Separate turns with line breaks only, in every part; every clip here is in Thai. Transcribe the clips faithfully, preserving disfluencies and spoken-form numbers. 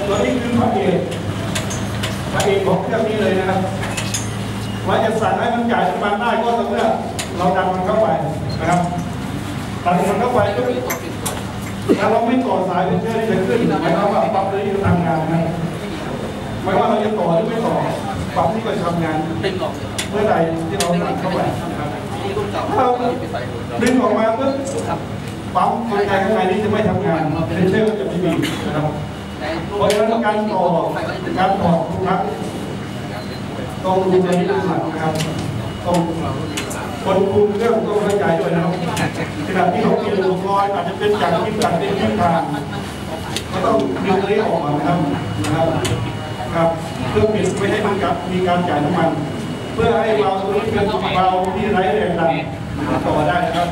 ตัวนี้คือพระเอกพระเอกของเครื่องนี้เลยนะครับเราจะสั่งให้มันจ่ายน้ำมันได้ก็ต่อเมื่อเราดันมันเข้าไปนะครับดันมันเข้าไปก็ถ้าเราไม่ต่อสายเป็นเชื่อที่จะขึ้นหมายความว่าปั๊มนี้จะทำงานนะไม่ว่าเราจะต่อหรือไม่ต่อปั๊มนี้ก็ทำงานเมื่อใดที่เราดันเข้าไปถ้าเราดึงออกมาเมื่อปั๊มกลไกข้างในนี้จะไม่ทำงานเป็นเชื่อจะไม่มีนะครับเพราะฉะนั้นการต่อการต่อทุกครั้งต้องดูในนี้เป็นหลักนะครับต้องคนคุมเครื่องต้องเข้าใจด้วยนะครับขณะที่เขาเปลี่ยนอุปกรณ์อาจจะเป็นจากที่ตัดเป็นที่ทางก็ต้องดึงตัวนี้ออกมานะครับนะครับครับเพื่อเปลี่ยนไม่ให้มันกับมีการจ่ายน้ำมันเพื่อให้เราตัวนี้เป็นเราที่ไร้แรงดันต่อได้นะครับ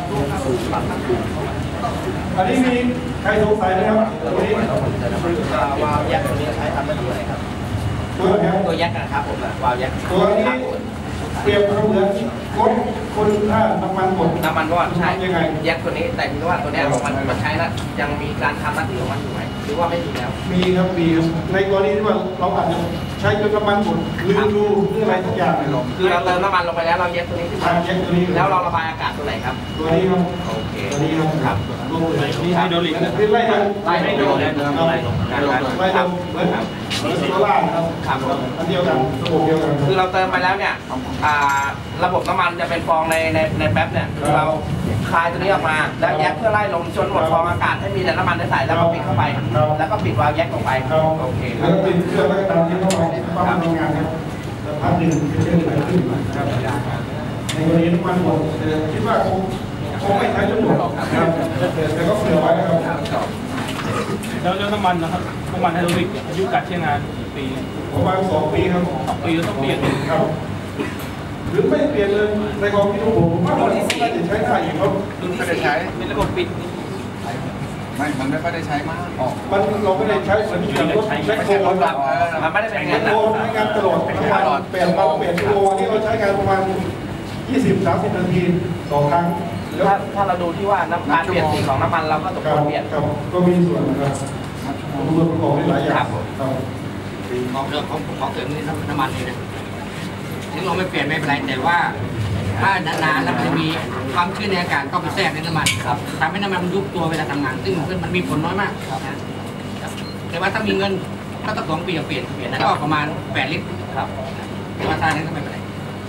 อันนี้มีใครสงสัยไหมครับตัวนี้
วาล์วยักษ์ตัวนี้ใช้ทำหน้าที่อะไรครับ
ตัวนี้
ตัวยักษ์นะครับผมวาล์วยักษ์
ตัวนี้เปรียบเสมือนรถคนถ้าน้ำมันหมด
น้ำมันก็ใช่
ยังไง
ยักษ์ตัวนี้แต่ที่ว่าตัวนี้มันมันใช้แล้วยังมีการทำหน้าที่ของมันอยู่ไหมหรือว่าไม่มีแล้ว
มีครับมีในกรณีที่ว่าเราอาจจะใช้จนน้ำมันหมดลืมดูเรื่องอะไรทุกอย่างเลย
คือเราเติมน้ำมันลงไปแล้วเราเย็บตัวนี้ขึ้นมา
เย็บตัวนี้
แล้วเราระบายอากาศตัวไหนครับ
ตัวนี้ครับ
โอเค
ตัวนี้ครับ
ครับ
ลงเลย
นี่ไฮโดรลิก
คือไล่ไล่
ไล่ไฮโดรลิก
ไล่ลงไล่ลงเหมือนโซล่าครับ
ครับ
อันเดียวกันระบบเดียวกัน
คือเราเติมไปแล้วเนี่ยระบบน้ำมันจะเป็นฟองในในในแป๊บเนี่ยเราคลายตัวนี้ออกมาแล้วแยกเพื่อไล่ลมจนหมดฟองอากาศให้มีแต่น้ำมันได้ใส่แล้วก็ปิดเข้าไปแล้วก็ปิดวาล์วแยกลงไปโอเค
แล้วปิดเครื่องแล้วก็ตามที่เข้าไปปั๊มทำงานครับแล้วพักหนึ่งจะเชื่อมไปขึ้นครับในกรณีน้ำมันหมดคิดว่าคงคงไม่ใช้จนหมดครับแต่ก็เผื่อไว้ครับ
แล้วแล้วน้ำมันนะครับน้ำมันไฮโดรลิกอายุการใช้งานกี่ปี
ประมาณสองปีครับ
สองปีแล้วต้องเปลี่ยน
ครับหรือไม่เปลี่ยนเลยในความคิดของผมว่าเราน่าจะใช้ได้อีกครับ
ไม่ได้ใช้เป็นระบบปิด
ไม่มันไม่ค่อยได้ใช้มากออก
มันเราไม่ได้ใช้เหมือนอย่างรถแบ็คโฮลแบบ
มันไม่ได้เป็น
งานใช้งานตลอดทั้งวันเปลี่ยนเราเปลี่ยนกิโลที่เราใช้งานประมาณยี่สิบสามสิบนาทีต่อครั้ง
ถ้าถ้าเราดูที่ว่าน้ำการเปลี่ยนสีของน้ำมันเราก็ต้องเปลี่ยน
ก็มีส่วนนะครับรวมประกอบหลายอย่าง
ของเรื่องของของเสริมนี่น้ำมันนี่นะถึงเราไม่เปลี่ยนไม่เป็นไรแต่ว่าถ้านานๆแล้วมันจะมีความชื้นในอากาศก็ไปแทรกในน้ำมันทำให้น้ำมันยุบตัวเวลาทำงานซึ่งมันมีผลน้อยมากแต่ว่าถ้ามีเงินก็ต้องสองปีเปลี่ยนเปลี่ยนก็ประมาณแปดลิตรครับแต่ว่าทางนั้นก็ไม่เป็นไร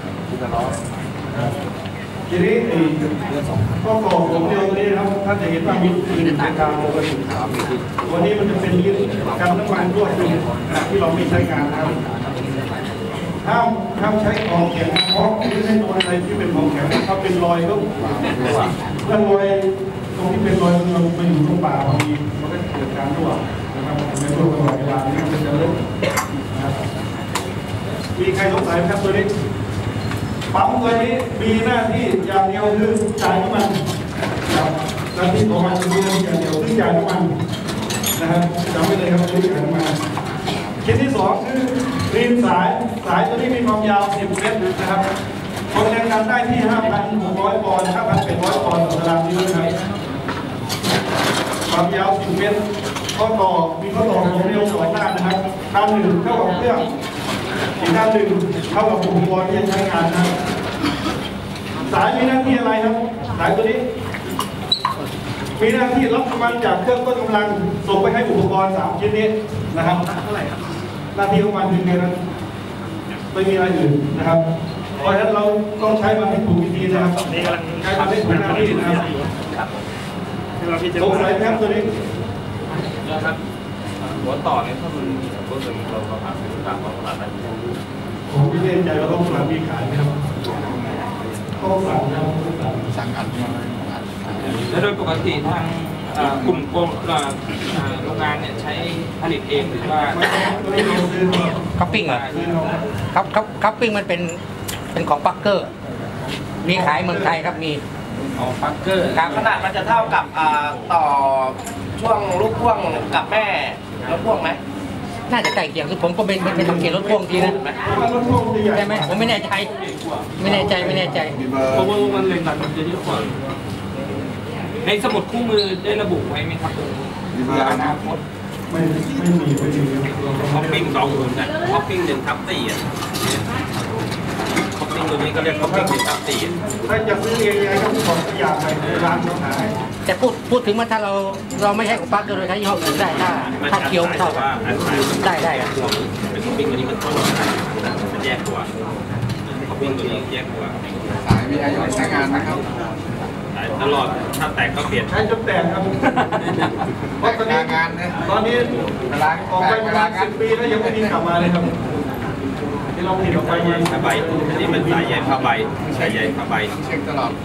ทีนี้ข้อต่อของเดียวนี้นะครับท่านจะเห็นว่ามีมีในทางปกติวันนี้มันจะเป็นลิ้นกันน้ำมันรั่วซึมที่เราไม่ใช้งานนะครับห้ามห้ามใช้ของแข็งเพราะไม่ใช่ตัวอะไรที่เป็นของแข็งถ้าเป็นรอยก็ถ้ารอยตรงที่เป็นรอยเราไปอยู่ตรงป่าบางทีมันก็เกิดการรั่วนะครับในช่วงตลอดเวลานี้มันจะเริ่มมีใครสงสัยไหมครับตัวนี้ปั๊มตัวนี้มีหน้าที่อย่างเดียวคือจ่ายน้ำมันหน้าที่ของมันคืออย่างเดียวคือจ่ายน้ำมันนะครับจำไว้เลยครับคือจ่ายน้ำมันชิ้นที่สองคือรีมสายสายตัวนี้มีความยาวสิบเมตรนะครับความแรงดันได้ที่ ห้าพันหกร้อย ปอนด์ ห้าพันแปดร้อย ปอนด์ต่อตารางนิ้วนะครับความยาวสิบเมตรข้อต่อมีข้อต่อของเร็วสองด้านนะครับด้านหนึ่งเข้ากับเครื่องอีกด้านหนึ่งเข้ากับอุปกรณ์ที่จะใช้งานนะครับสายมีหน้าที่อะไรครับสายตัวนี้มีหน้าที่รับกำลังจากเครื่องต้นกำลังส่งไปให้อุปกรณ์สามชิ้นนี้นะครับหน้าที่ของมันคือแค่นั้นไม่มีอะไรอื่นนะครับเพราะฉะนั้นเราต้องใช้มันให้ถูกวิธีนะครับใช้มันให้ถูกหน้าที่นะครับสงสัยครับตัวนี้
นะครับหัวต่อเนี่ยถ้ามันรู้สึกเราเราหาซื้อตามท้องตลาดได้
ผมไม่แน่ใจว่าท้องตลาดมีขายไหมครับก็สั่งนะ
สั่งอัด
แล้วโดยปกติทางกลุ่มโรงงานเนี่ยใช้ผลิตเองหรือว่า
คัพปิ้งเหรอครับครับคัพปิ้งมันเป็นเป็นของปักเกอร์มีขายเมืองไทยครับมี
อ๋อปักเกอร์
ครับขนาดมันจะเท่ากับต่อช่วงลูกพ่วงกับแม่รถพ่วงไหมน่าจะใกล้เคียงคือผมก็เป็นเป็นทำเกียร์รถพ่วงทีนะใช่ไหมผมไม่แน่ใจไม่แน่ใจไม่แน่ใจ
เพราะว่ามันแรงดันมันจะเยอะกว่าในสมุดคู่มือได้ระบุไว้ไหมครับเพื่ออนาคต
ไม่ไม่มีไม่มี
ท็อปปิ้งสองหุ่นนะท็อปปิ้งหนึ่งทับสี่อ่ะท็อปปิ้งตัวนี้ก็เรียกท็อปปิ้งหนึ่งทับสี่
ถ้าจะซื้อเองยังไงก็บอกตัวอย่างไปในร้านเขาขาย
แต่พูดพูดถึงว่าถ้าเราเราไม่ใช่ของปั๊กเราใช้ยี่ห้ออื่นได้ถ้าถ้าเคี้ยวไม่เท่ากันได้ได้ครับ
เป็นท็อปปิ้งตัวนี้มันต้นมันแยกตัวท็อปปิ้งตัวนี้แยกตัว
สายมีอายุใช้งานนะครับ
ตลอดถ้าแตกก็เปลี่ยน
ใช้จนแตกครับเพราะตอนนี้
งานเนี่ย
ตอนนี้
เวลา
ออกไปประมาณสิบปีแล้วยังไม่มีกลับมาเลยครับที่เราผลิตออกไปยัง
ผ้าใบอันนี้เป็นสายใยผ้าใบสายใยผ้าใบ
เช็คตลอด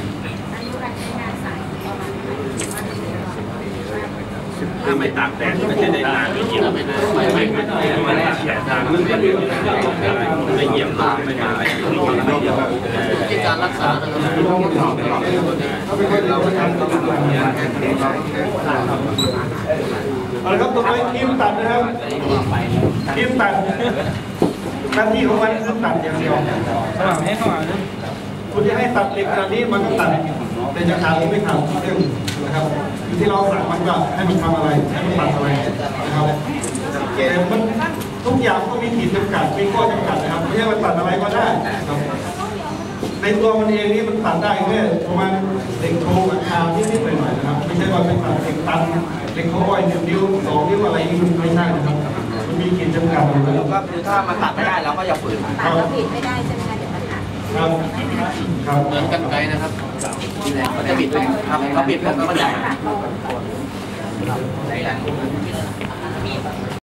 ถ้าไม่ตากแดดก็จะได้นานไม่เหี่ยวไม่ไม่ไม่ไม่ตากแดดนานไม่เหี่ยวไม่เหี่ยวไม่มาอะไร
ที่การรักษาเราต้องตลอดตลอดเราไม่ทำเราไม่ทำ
เอาละครับต่อไปทีมตัดนะครับทีมตัดหน้าที่ของมันคือตัดอย่างเดียว
สว่างให้เข้ามาเลย
คุณจะให้ตัดเหล็กขนาดนี้มันก็ตัดแต่จะขาดหรือไม่ขาดเรื่องนะครับอยู่ที่เราสั่งมันก็ให้มันทำอะไรให้มันตัดอะไรนะครับแต่มันทุกอย่างก็มีขีดจำกัดมีข้อจำกัดนะครับไม่ใช่ว่าตัดอะไรก็ได้ครับในตัวมันเองนี่มันตัดได้แค่ประมาณเหล็กโครงราคานิดๆหน่อยๆนะครับไม่ใช่ว่าเป็นตัดเหล็กตันเหล็กโคอ้อยหนึ่งนิ้วสองนิ้วอะไรนี่มันไม่ใช่นะครับมันมีขีดจำกัดอยู่แล้ว
ก็คือถ้ามันตัดไม่ได้เราก็อย่าฝืน
ตัดแล้วผิดไม่ได้ใช่ไหมคะเดี๋ยวมันหัก
ครับครับ
เหมือนกันไกลนะครับ
มันจะบิดไปครับเขาบิดแล้วก็มันใหญ่
ตัดลง